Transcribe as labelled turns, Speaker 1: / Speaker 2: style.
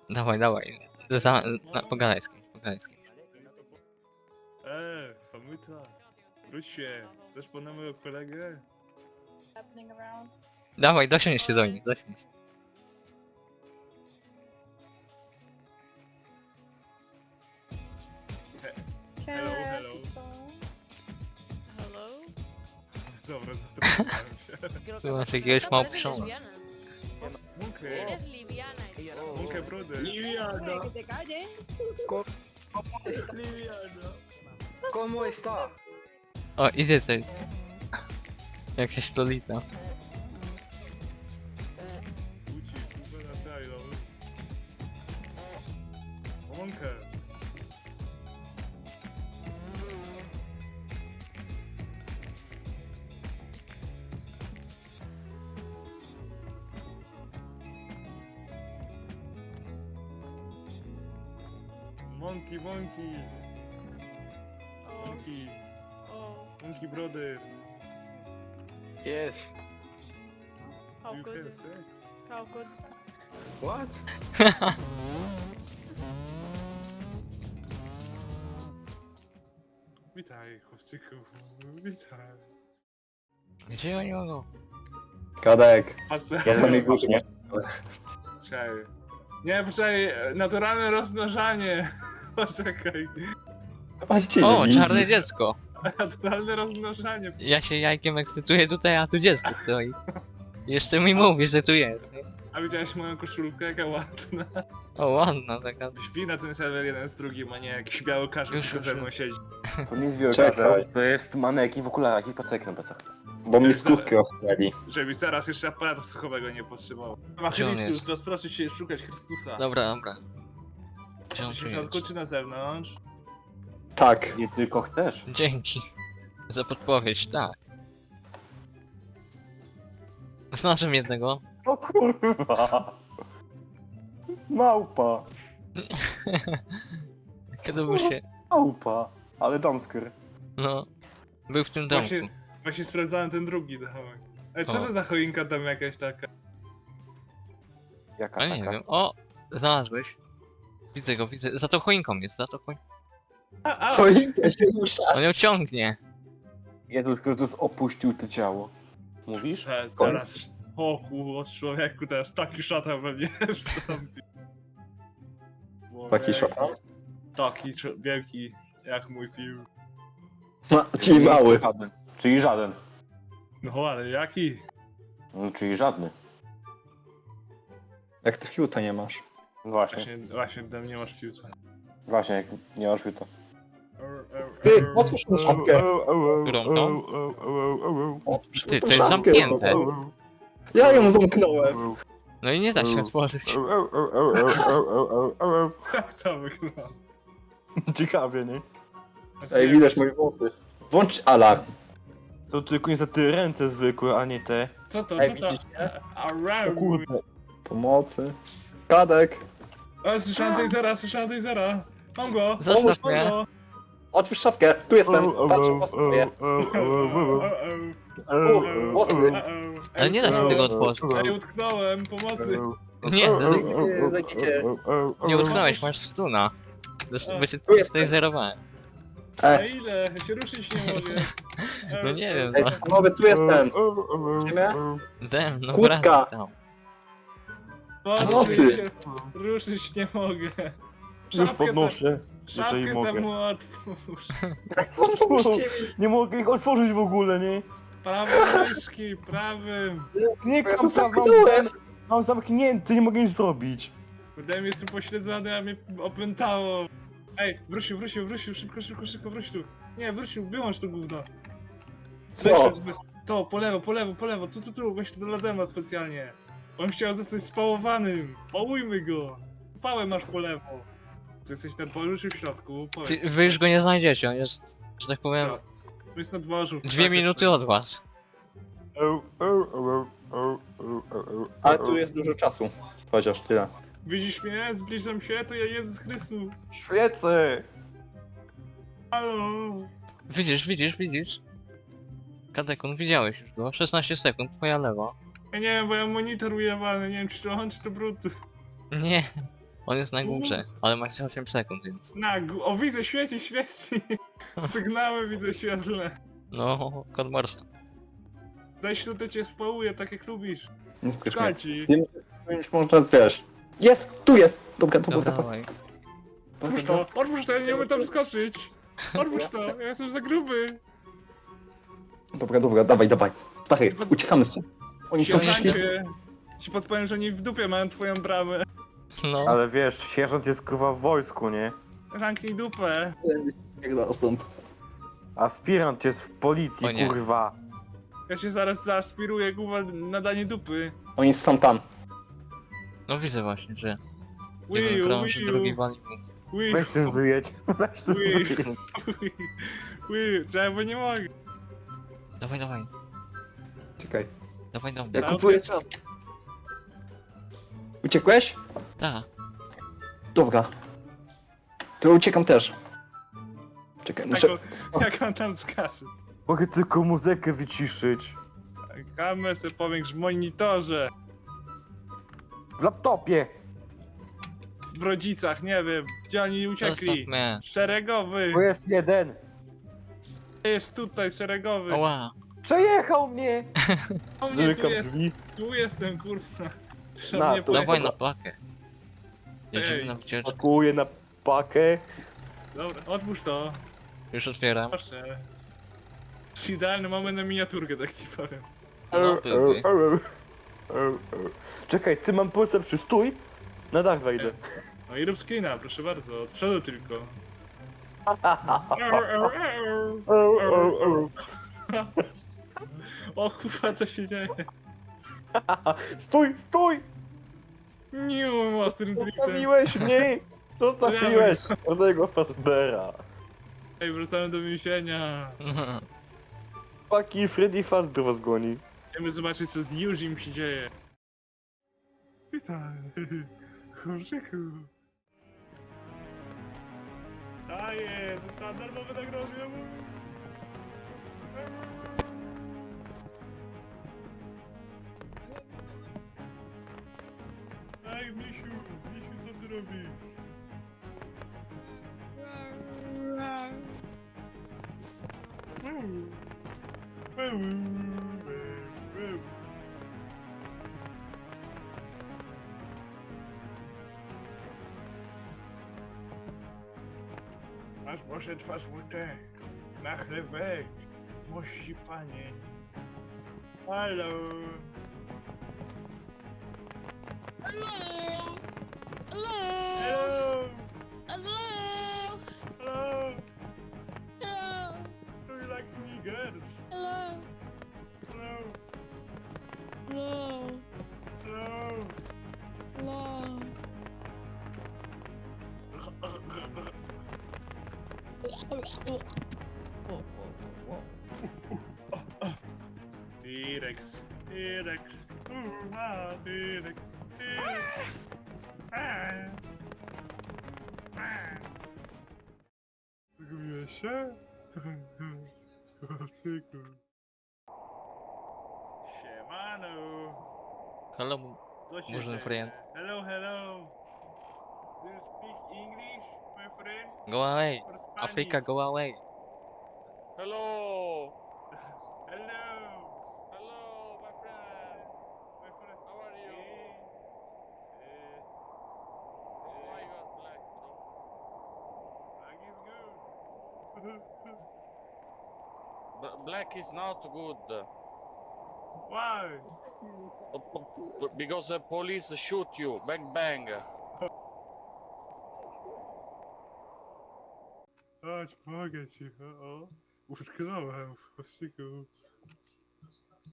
Speaker 1: Dawaj. Pogadaj z kimś, pogadaj z kimś.
Speaker 2: Samyta, wróć się. Chcesz po mojego kolegę?
Speaker 1: Dawaj, dosiądź się do nich, dosiądź.
Speaker 2: Hello.
Speaker 3: Hello?
Speaker 2: Dobra, zastanawiałem się.
Speaker 3: Creo
Speaker 1: Tú vas a
Speaker 3: esa
Speaker 1: seguir
Speaker 3: esa
Speaker 1: como
Speaker 3: parece
Speaker 1: persona.
Speaker 3: lesbiana.
Speaker 2: Munkę,
Speaker 3: Eres liviana.
Speaker 2: Munkę, brother.
Speaker 4: Que te calles.
Speaker 5: ¿Cómo está?
Speaker 1: O, idzie coś. Jakaś lolita.
Speaker 2: Uci, kurwa, na taj, dobra. Munkę. Monkey.
Speaker 3: Oh, oh,
Speaker 2: Monkey brother.
Speaker 5: Yes.
Speaker 3: how
Speaker 2: Do you
Speaker 3: good?
Speaker 2: have sex?
Speaker 3: How good?
Speaker 5: What?
Speaker 2: Witaj, chłopczyku. Witaj.
Speaker 1: Gdzie oni mogą?
Speaker 6: Kadek,
Speaker 2: Pasę.
Speaker 6: ja sobie górze nie.
Speaker 2: Czekaj. Nie, poczekaj, naturalne rozmnażanie. Poczekaj.
Speaker 1: O, czarne dziecko.
Speaker 2: Naturalne rozmnażanie.
Speaker 1: Ja się jajkiem ekscytuję tutaj, a tu dziecko stoi. Jeszcze mi mówi, że tu jest. Nie?
Speaker 2: A widziałeś moją koszulkę, jaka ładna.
Speaker 1: O, ładna taka.
Speaker 2: Śpi na ten serwer jeden z drugim, a nie jakiś biały każdy
Speaker 1: Już,
Speaker 2: tylko
Speaker 1: już,
Speaker 2: ze
Speaker 1: już.
Speaker 2: mną siedzi.
Speaker 6: To nie jest
Speaker 7: Czekaj, to jest manekin w okularach i pacek na plecach.
Speaker 6: Bo mi skutki ostrzeli.
Speaker 2: Żeby zaraz jeszcze aparatu słuchowego nie potrzebował. Ma
Speaker 1: Gdzie on
Speaker 2: Chrystus,
Speaker 1: jest?
Speaker 2: rozproszę cię szukać Chrystusa.
Speaker 1: Dobra. Gdzie on
Speaker 2: Czy
Speaker 1: tu
Speaker 2: w środku,
Speaker 1: jest?
Speaker 2: czy na zewnątrz?
Speaker 6: Tak.
Speaker 7: Nie tylko chcesz.
Speaker 1: Dzięki. Za podpowiedź, tak. Znalazłem jednego.
Speaker 7: O kurwa. Małpa.
Speaker 1: Kiedy był się...
Speaker 7: Małpa. Ale jumpscare.
Speaker 1: No. Był w tym domku.
Speaker 2: Właśnie sprawdzałem ten drugi domek. Co
Speaker 1: O.
Speaker 2: to za choinka tam jakaś taka?
Speaker 7: Jaka
Speaker 1: A nie
Speaker 7: taka?
Speaker 1: wiem. O! Znalazłeś. Widzę go, widzę. Za tą choinką jest, za tą choinką.
Speaker 6: Choinka się rusza.
Speaker 1: On ją ciągnie.
Speaker 7: Jezus Chrystus opuścił to ciało. Mówisz?
Speaker 2: Teraz... O kurwa, człowieku, teraz taki szatan we mnie wstąpi.
Speaker 6: Taki szatan?
Speaker 2: Taki wielki, jak mój film.
Speaker 6: Czyli mały.
Speaker 7: Żaden. Czyli żaden.
Speaker 2: No ale jaki?
Speaker 7: No, czyli żadny.
Speaker 6: Jak ty fiuta nie masz.
Speaker 7: Właśnie.
Speaker 2: Właśnie tam nie masz fiuta.
Speaker 7: Właśnie, jak nie masz to.
Speaker 6: Ty, otwórz tą szafkę.
Speaker 1: Którą to?
Speaker 6: Otwórz
Speaker 1: Ty,
Speaker 6: tą
Speaker 1: to jest
Speaker 6: szafkę.
Speaker 1: zamknięte.
Speaker 6: Ja ją zamknąłem.
Speaker 1: No i nie da się otworzyć.
Speaker 2: Jak to wygląda?
Speaker 7: Ciekawie, nie?
Speaker 6: Ej, widać moje włosy. Włącz alarm.
Speaker 8: To tylko nie za te ręce zwykłe, a nie te.
Speaker 2: Co to,
Speaker 6: Ej,
Speaker 2: co to?
Speaker 6: widzicie?
Speaker 2: Around.
Speaker 7: Kurde.
Speaker 6: Pomocy. Kadek.
Speaker 2: O, słyszałem tej zera. Mam go.
Speaker 1: Zostaw
Speaker 2: Mam
Speaker 1: mnie.
Speaker 2: go.
Speaker 6: Otwórz szafkę. Tu jestem. Patrz, włosy moje. Włosy.
Speaker 1: Ale nie da się tego otworzyć.
Speaker 2: Ej, utknąłem, pomocy.
Speaker 1: Nie,
Speaker 6: Zajdziecie.
Speaker 1: nie utknąłeś, masz stuna. By cię zerowałem.
Speaker 2: A ile? Ja się ruszyć nie mogę.
Speaker 1: No nie wiem,
Speaker 6: Ej,
Speaker 1: no.
Speaker 6: panowie, tu jestem. Widzimy?
Speaker 1: Dem, no
Speaker 6: Kłódka.
Speaker 1: wracaj tam.
Speaker 2: Pomocy się. Ruszyć nie mogę.
Speaker 8: Już podnoszę,
Speaker 2: Szafkę
Speaker 8: jeżeli mogę.
Speaker 2: temu otwórz.
Speaker 6: Otwórzcie mi.
Speaker 8: Nie mogę ich otworzyć w ogóle, nie?
Speaker 2: Prawym myszki, prawym.
Speaker 8: Nie
Speaker 6: Ja to
Speaker 8: kam tam,
Speaker 6: zamknąłem.
Speaker 8: mam zamknięty, nie mogę nic zrobić.
Speaker 2: Wydaje mi się, jestem pośledzony, a mnie opętało. Ej, wrócił, szybko, wróć tu. Nie, wrócił, wyłącz to gówno.
Speaker 6: Co?
Speaker 2: To, po lewo, tu, właśnie do Ladema specjalnie. On chciał zostać spałowanym. Pałujmy go. Pałę masz po lewo. Ty jesteś ten poruszył w środku.
Speaker 1: Ty, wy już go nie znajdziecie, on jest, że tak powiem,
Speaker 2: Jest na dworzu.
Speaker 1: 2 minuty od was.
Speaker 6: Ale tu jest dużo czasu. Chociaż tyle.
Speaker 2: Widzisz mnie? Zbliżam się, to ja Jezus Chrystus.
Speaker 8: Świecę!
Speaker 2: Halo.
Speaker 1: Widzisz. Kadekon, widziałeś już go. 16 sekund, twoja lewa.
Speaker 2: Ja nie wiem, bo ja monitor ujewany, nie wiem czy to on, czy to brud.
Speaker 1: Nie, On jest na górze, ale ma jeszcze 8 sekund, więc...
Speaker 2: O, widzę, świeci, świeci. Sygnały widzę świetlne.
Speaker 1: No, kod Morsa.
Speaker 2: Zaś tutaj cię społuję, tak jak lubisz.
Speaker 6: Nie skrysz mnie.
Speaker 2: Szkalci.
Speaker 6: Wiem, że już można, wiesz. Jest! Tu jest! Dobra,
Speaker 1: Dobra,
Speaker 6: dobra.
Speaker 1: dawaj.
Speaker 2: Otwórz to, otwórz to, ja nie umiem tam skoczyć. Otwórz to, ja jestem za gruby.
Speaker 6: Dobra, dawaj. Stary, uciekamy stąd. Oni są
Speaker 1: Siadajcie.
Speaker 6: śmieci.
Speaker 2: Siemancie. Ci podpowiem, że oni w dupie mają twoją bramę.
Speaker 1: No,
Speaker 8: Ale wiesz, sierżant jest kurwa w wojsku, nie?
Speaker 2: Zamknij dupę.
Speaker 6: Pierdolę stąd.
Speaker 8: Aspirant jest w policji,
Speaker 1: O nie.
Speaker 8: kurwa.
Speaker 2: Ja się zaraz zaaspiruję, kurwa, na danie dupy.
Speaker 6: Oni są tam.
Speaker 1: no widzę właśnie, że
Speaker 2: Wiu,
Speaker 1: jeden krąży,
Speaker 2: wiu,
Speaker 1: drugi wali mu.
Speaker 2: wiu,
Speaker 8: Weź tym wyjedź. Weź tym
Speaker 2: Ui.
Speaker 8: wyjedź.
Speaker 2: wiu, co, bo nie mogę.
Speaker 1: Dawaj,
Speaker 6: Czekaj.
Speaker 1: dawaj do
Speaker 6: Ja
Speaker 1: mnie.
Speaker 6: kupuję czas. Uciekłeś?
Speaker 1: Tak,
Speaker 6: Dobra. To uciekam też. Czekaj, muszę...
Speaker 2: Jak on tam skacze.
Speaker 8: Mogę tylko muzykę wyciszyć.
Speaker 2: Kamerę sobie powiększ w monitorze.
Speaker 8: W laptopie.
Speaker 2: W rodzicach, nie wiem, gdzie oni uciekli.
Speaker 1: zostaw mnie.
Speaker 2: Szeregowy.
Speaker 8: To jest jeden.
Speaker 2: Jest tutaj, szeregowy.
Speaker 1: Oła,
Speaker 8: Przejechał mnie.
Speaker 2: O mnie tu
Speaker 8: Zamykam
Speaker 2: jest,
Speaker 8: drzwi.
Speaker 2: tu jestem, kurwa. Że
Speaker 8: Na,
Speaker 2: mnie
Speaker 8: to
Speaker 1: dawaj
Speaker 2: pojechał.
Speaker 1: na pakę. Jedziemy
Speaker 2: Ej.
Speaker 1: na wycieczkę.
Speaker 8: Pakuję na pakę.
Speaker 2: Dobra, otwórz to.
Speaker 1: Już otwieram.
Speaker 2: Proszę. To jest idealny moment na miniaturkę, tak ci powiem.
Speaker 1: No, byłby.
Speaker 8: Czekaj, ty mam pomysł przy stój. Na dach wejdę.
Speaker 2: No i rób screena, proszę bardzo. Od przodu tylko. O kurwa, co się dzieje?
Speaker 8: Stój, stój!
Speaker 2: Nie, ostrym driftem.
Speaker 8: Zostawiłeś mnie! Zostawiłeś żadnego Fazbera.
Speaker 2: Ej, wracamy do więzienia.
Speaker 8: Paki Freddy Fazbear was goni.
Speaker 2: Chcemy zobaczyć, co z Yuzim się dzieje. Witaj, chłopczyku. Daję, zostałem darmowy nagrodę. Ej, misiu, co ty robisz? Aż poszedł was mutę na chlebek, mości panie. Halo.
Speaker 3: Hello!
Speaker 2: Hello.
Speaker 3: Hello!
Speaker 2: Hello.
Speaker 3: Hello!
Speaker 2: Do you like niggers?
Speaker 3: Hello!
Speaker 2: Hello.
Speaker 3: Hello!
Speaker 2: Hello.
Speaker 3: Hello!
Speaker 2: T-Rex, T-Rex, T-Rex, T-Rex. Zgubiłeś się? Cyku. Siemano.
Speaker 1: Hello,
Speaker 2: Co się
Speaker 1: Może
Speaker 2: dzieje?
Speaker 1: friend.
Speaker 2: Hello, hello. Do you speak English, my friend?
Speaker 1: go away.
Speaker 2: Or Spanish?
Speaker 1: Africa, go away.
Speaker 9: Hello!
Speaker 2: Hello.
Speaker 9: Hello, my friend!
Speaker 2: My friend.
Speaker 9: How are you? Oh my god, black, bro.
Speaker 2: Black is good.
Speaker 9: Black is not good.
Speaker 2: Why?
Speaker 9: Because the police shoot you. Bang bang.
Speaker 2: Chodź, pomogę ci. O, utknąłem w kościku.